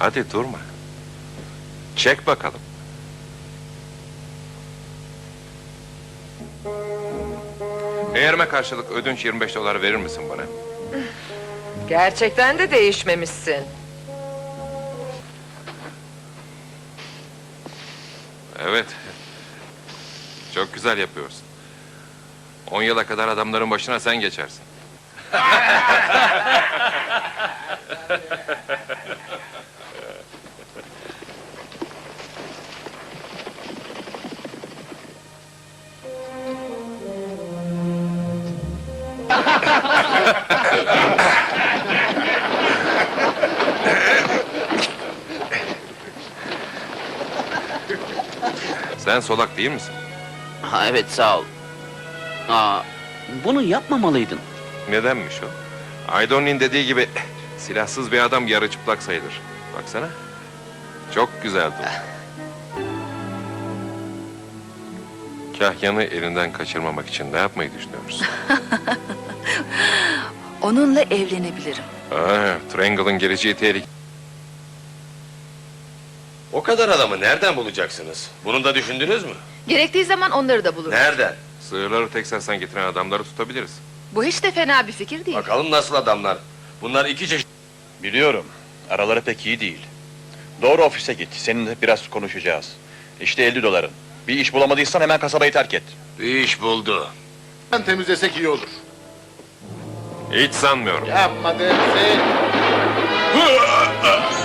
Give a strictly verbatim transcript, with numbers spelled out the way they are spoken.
Hadi durma. Çek bakalım. Eğerime karşılık ödünç yirmi beş dolar verir misin bana? Gerçekten de değişmemişsin. Evet. Çok güzel yapıyorsun. On yıla kadar adamların başına sen geçersin. Sen solak değil misin? Ha, evet, sağ ol. Aa, bunu yapmamalıydın. Nedenmiş o? Aydon'un dediği gibi silahsız bir adam yarı çıplak sayılır. Baksana. Çok güzel dur. Kahyanı elinden kaçırmamak için ne yapmayı düşünüyorsun? Onunla evlenebilirim. Aa, Triangle'ın geleceği tehlikeli. O kadar adamı nereden bulacaksınız? Bunu da düşündünüz mü? Gerektiği zaman onları da bulurum. Nereden? Sığırları Teksas'tan getiren adamları tutabiliriz. Bu hiç de fena bir fikir değil. Bakalım nasıl adamlar? Bunlar iki çeşit. Biliyorum. Araları pek iyi değil. Doğru ofise git. Seninle biraz konuşacağız. İşte elli doların. Bir iş bulamadıysan hemen kasabayı terk et. Bir iş buldu. Temizlesek iyi olur. Hiç sanmıyorum. Yapma Dempsey.